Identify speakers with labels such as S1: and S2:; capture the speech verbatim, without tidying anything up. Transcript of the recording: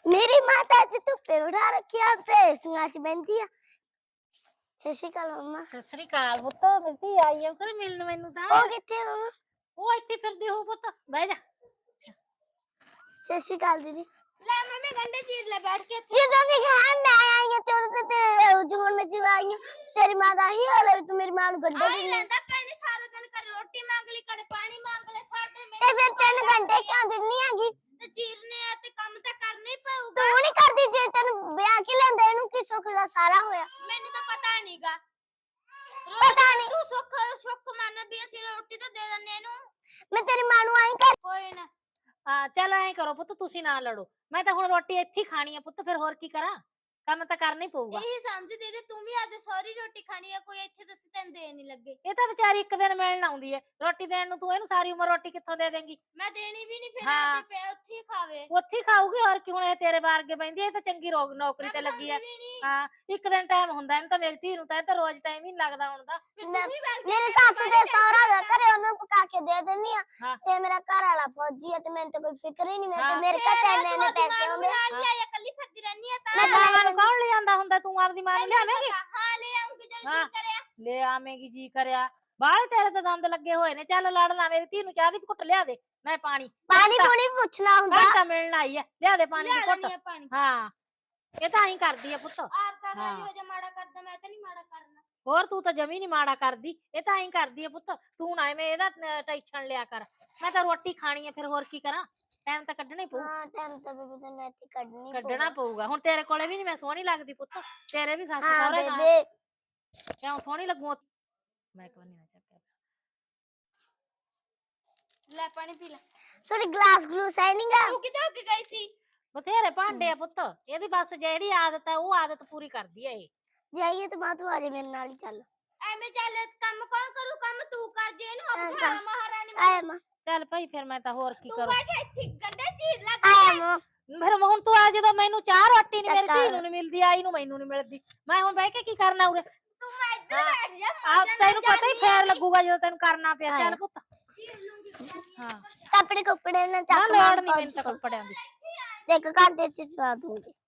S1: मेरी माता अज धुप्पे बिठा रखी है ते एसियां च बहंदी है। सत श्री अकाल मम्मा।
S2: सत श्री अकाल पुੱਤ ਮੇਰੀ ਧੀ ਆਈ ਆ ਕਰ ਮਿਲਣ ਮੈਨੂੰ ਤਾਂ
S1: ओ किथे मम्मा?
S2: ਉਹ ਇੱਥੇ ਫਿਰਦੀ ਹੋ ਪੁੱਤ ਬਹਿ ਜਾ।
S1: सत श्री अकाल दीदी।
S3: ले मम्मी गंडे चीर ले बैठ के
S1: ਜਦੋਂ ਦੀ ਘਰ ਮੈਂ ਆਈ ਹਾਂ ਤੇ ਉਦੋਂ ਤੇ ਤੇਰੇ ਜੋਨ में जब आई हूं तेरी मां ਦਾ ਹੀ ਹਾਲ ਹੈ ਤੂੰ ਮੇਰੀ ਮਾਂ ਨੂੰ ਗੰਡੇ
S3: आई रहंदा पैने सारा दिन कर रोटी मांग ली कर पानी मांग ले सारा दिन
S1: ਤੇ ਫਿਰ ਤੈਨੂੰ ਘੰਟੇ ਕਿਉਂ ਦਿੰਨੀ ਹੈਗੀ?
S3: ते चीरने आ ते काम ते करना ही पऊगा।
S1: ਤੂੰ ਨਹੀਂ ਕਰਦੀ ਜੇ ਤੈਨੂੰ ਵਿਆਹ ਕੇ ਲੈਂਦਾ ਇਹਨੂੰ ਕੀ ਸੁੱਖ ਦਾ ਸਾਰਾ ਹੋਇਆ।
S3: मैंने तो पता नहींगा
S1: पता नहीं
S3: तू सुख सुख मान भी असि रोटी तो दे दने नु
S1: ਮੈਂ ਤੇਰੀ ਮਾਂ ਨੂੰ ਆਈ ਕਰ
S3: कोई ना।
S2: ਹਾਂ ਚੱਲ ਐਂ ਕਰੋ ਪੁੱਤ ਤੁਸੀਂ ਨਾ ਲੜੋ ਮੈਂ ਤਾਂ ਹੁਣ ਰੋਟੀ ਇੱਥੇ ਹੀ ਖਾਣੀ ਆ ਪੁੱਤ ਫਿਰ ਹੋਰ ਕੀ ਕਰਾਂ ਕੰਮ ਤਾਂ ਕਰਨਾ ਹੀ ਪਊਗਾ।
S3: यही समझ दे दे तुम ही आज सारी रोटी खानी है कोई ਇੱਥੇ दस ਤੈਨੂੰ ਦੇ ਨਹੀਂ ਲੱਗੇ।
S2: ਇਹ ਤਾਂ ਵਿਚਾਰੀ ਇੱਕ ਦਿਨ ਮਿਲਣ ਆਉਂਦੀ ਏ ਰੋਟੀ ਦੇਣ ਨੂੰ ਤੂੰ ਇਹਨੂੰ ਸਾਰੀ ਉਮਰ ਰੋਟੀ ਕਿੱਥੋਂ ਦੇ ਦੇਂਗੀ।
S3: ਮੈਂ ਦੇਣੀ ਵੀ ਨਹੀਂ ਫਿਰ
S2: ਹਾਂ।
S3: ਆਪੇ ਪੇ ਉੱਥੇ ਹੀ ਖਾਵੇ।
S2: ਉੱਥੇ ਹੀ ਖਾਊਗੀ ਹੋਰ ਕੀ ਹੁਣ ਇਹ ਤੇਰੇ ਵਾਰਗੇ ਬੈਂਦੀ ਇਹ ਤਾਂ ਚੰਗੀ ਰੋਗ ਨੌਕਰੀ ਤੇ ਲੱਗੀ ਆ। ਹਾਂ ਇੱਕ ਦਿਨ ਟਾਈਮ ਹੁੰਦਾ ਇਹਨੂੰ ਤਾਂ ਮੇਰੀ ਧੀ ਨੂੰ ਤਾਂ ਇਹ ਤਾਂ ਰੋਜ਼ ਟਾਈਮ ਹੀ ਨੀ ਲੱਗਦਾ ਹੁਣ ਦਾ।
S1: ਮੇਰੇ ਸੱਸ ਦੇ ਸਹੁਰਾ ਦਾ ਘਰੇ ਉਹਨੂੰ ਪਕਾ ਕੇ ਦੇ ਦਿੰਨੀ ਆ
S2: ਹਾਂ।
S1: ਤੇ ਮੇਰਾ ਘਰ ਵਾਲਾ ਫੌਜੀ ਆ ਤੇ ਮੈਨੂੰ ਤਾਂ ਕੋਈ ਫਿਕਰ ਹੀ ਨਹੀਂ ਮੇਰੇ ਤੇ
S2: ਹਾਂ।
S1: ਮੇਰੇ ਘਰ ਇੰਨੇ ਇੰਨੇ ਪੈਸੇ ਆਉਂਦੇ
S3: ਨਾਲ ਲਿਆ ਕੱਲੀ ਫਿਰਦੀ ਰਹਿਨੀ ਆ
S2: ਮੈਂ
S3: ਤਾਂ
S2: ਮਾਂ ਨੂੰ ਕੌਣ ਲੈ ਜਾਂਦਾ ਹੁੰਦਾ ਤੂੰ ਆਪਦੀ ਮਾਂ ਨੂੰ ਲਿਆਵੇਂਗੀ।
S3: ਹਾਂ ਲੈ ਆਉਂਗੀ ਜਦੋਂ
S2: ਹਾਂ।
S3: ਜੀ ਕਰਿਆ।
S2: ਲੈ ਆਵੇਂਗੀ ਜੀ ਕਰਿਆ ਬਾਹਲੇ ਤੇਰੇ ਤਾਂ ਦੰਦ ਲੱਗੇ ਹੋਏ ਨੇ ਚੱਲ ਲੜਨਾ ਮੇਰੀ ਧੀ ਨੂੰ ਚਾਹ ਦੀ ਘੁੱਟ ਲਿਆ ਦੇ ਮੈਂ ਪਾਣੀ
S1: ਪਾਣੀ ਪੂਣੀ ਪੁੱਛਣਾ ਹੁੰਦਾ
S2: ਘੰਟਾ ਮਿਲਣ ਆਈ ਆ ਲਿਆ ਦੇ ਪਾਣੀ ਦੀ
S3: ਲਿਆ
S2: ਘੁੱਟ।
S3: ਲੈਣੀ ਆ ਪਾਣੀ।
S2: ਹਾਂ ਇਹ ਤਾਂ ਐਂ ਕਰਦੀ ਆ ਪੁੱਤ।
S3: ਆਪ ਤਾਂ
S2: ਹਾਂ।
S3: ਹੋ ਜਾ ਮਾੜਾ ਕਰਦਾ ਮੈਂ ਤਾਂ ਨਹੀਂ ਮਾੜਾ ਕਰਨਾ।
S2: ਹੋਰ ਤੂੰ ਤਾਂ ਜਮੀ ਨੀ ਮਾੜਾ ਕਰਦੀ ਇਹ ਤਾਂ ਐਂ ਕਰਦੀ ਆ ਪੁੱਤ ਤੂੰ ਨਾ ਐਵੇਂ ਇਹਦਾ ਟੈਨਸ਼ਨ ਲਿਆ ਕਰ ਮੈਂ ਤਾਂ ਰੋਟੀ ਖਾਣੀ ਆ ਫਿਰ ਹੋਰ ਕੀ ਕਰਾਂ ਟਾਈਮ ਤਾਂ ਕੱਢਣਾ ਹੀ ਪਊ।
S1: ਹਾਂ ਟਾਈਮ ਤਾਂ ਬੇਬੇ ਤੈਨੂੰ ਇੱਥੇ ਕੱਢਣੀ
S2: ਕੱਢਣਾ ਪਊਗਾ ਹੁਣ ਤੇਰੇ ਕੋਲੇ ਵੀ ਨੀ ਮੈਂ ਸੋਹਣੀ ਲੱਗਦੀ ਪੁੱਤ ਤੇਰੇ ਵੀ ਸੱਸ
S1: ਹਾਂ
S2: ਸਹੁਰੇ ਨਾਲ
S1: ਬੇਬੇ
S2: ਕਿਉਂ ਸੋਹਣੀ ਲੱਗੂ ਮੈਂ ਕਿਉਂ ਨਹੀਂ ਨਾ ਚੱਕਿਆ
S3: ਲੈ ਪਾਣੀ ਪੀ ਲੈ।
S1: ਸੋਰੀ ਗਲਾਸ ਗਲੂਸ ਹੈ ਨੀ ਗਾ
S3: ਤੂੰ ਕਿੱਥੇ ਹੋ ਕੇ ਗਈ ਸੀ?
S2: ਬਥੇਰੇ ਭਾਂਡੇ ਆ ਪੁੱਤ ਇਹਦੀ ਬਸ ਜਿਹੜੀ ਆਦਤ ਹੈ ਉਹ ਆਦਤ ਪੂਰੀ ਕਰਦੀ ਹੈ ਇਹ।
S1: ਜਾਈਏ ਤੇ ਮਾਂ ਤੂੰ ਆ ਜਾ ਮੇਰੇ ਨਾਲ ਹੀ ਚੱਲ
S3: ਐਵੇਂ ਚੱਲ ਕੰਮ ਕੌਣ ਕਰੂ ਕੰਮ ਤੂੰ ਕਰ ਜੇ ਇਹਨੂੰ
S1: ਹਾਂ,
S3: ਅਬਠਾ
S1: ਚੱਲ।
S3: ਮਹਾਰਾਣੀ
S1: ਆਇਆ ਮਾਂ
S2: ਚੱਲ ਭਾਈ ਫਿਰ ਮੈਂ ਤਾਂ ਹੋਰ ਕੀ
S3: ਤੂੰ
S2: ਕਰਾਂ
S3: ਬੈਠ ਇੱਥੇ ਗੰਡੇ ਚੀਰ ਲੱਗ
S1: ਆਇਆ ਮਾਂ
S2: ਫਿਰ ਹੁਣ ਤੂੰ ਆ ਜਦੋਂ ਮੈਨੂੰ ਚਾਹ ਰੋਟੀ ਨੀ ਮੇਰੀ
S1: ਚੱਲ।
S2: ਧੀ ਨੂੰ ਨੀ ਮਿਲਦੀ ਆਈ ਨੂੰ ਮੈਨੂੰ ਨੀ ਮਿਲਦੀ ਮੈਂ ਹੁਣ ਬਹਿ ਕੇ ਕੀ ਕਰਨਾ ਉਰੇ
S3: ਤੂੰ ਮੈਂ ਇੱਧਰ
S2: ਹਾਂ।
S3: ਬੈਠ ਜਾ
S2: ਆ ਤੈਨੂੰ ਪਤਾ ਹੀ ਫੇਰ ਲੱਗੂਗਾ ਜਦੋਂ ਤੈਨੂੰ ਕਰਨਾ ਪਿਆ ਚੱਲ ਪੁੱਤ
S3: ਚੀਰ ਲੂੰਗੀ
S2: ਹਾਂ
S1: ਕੱਪੜੇ ਕੁੱਪੜੇ ਨਾਲ
S2: ਨਾ
S1: ਚੱਕ
S2: ਲੋੜ ਨੀ ਮੈਨੂੰ ਤਾਂ ਕੱਪੜਿਆਂ ਦੀ
S1: ਇੱਕ ਘੰਟੇ ਚ ਚਵਾ ਦੂੰਗੀ।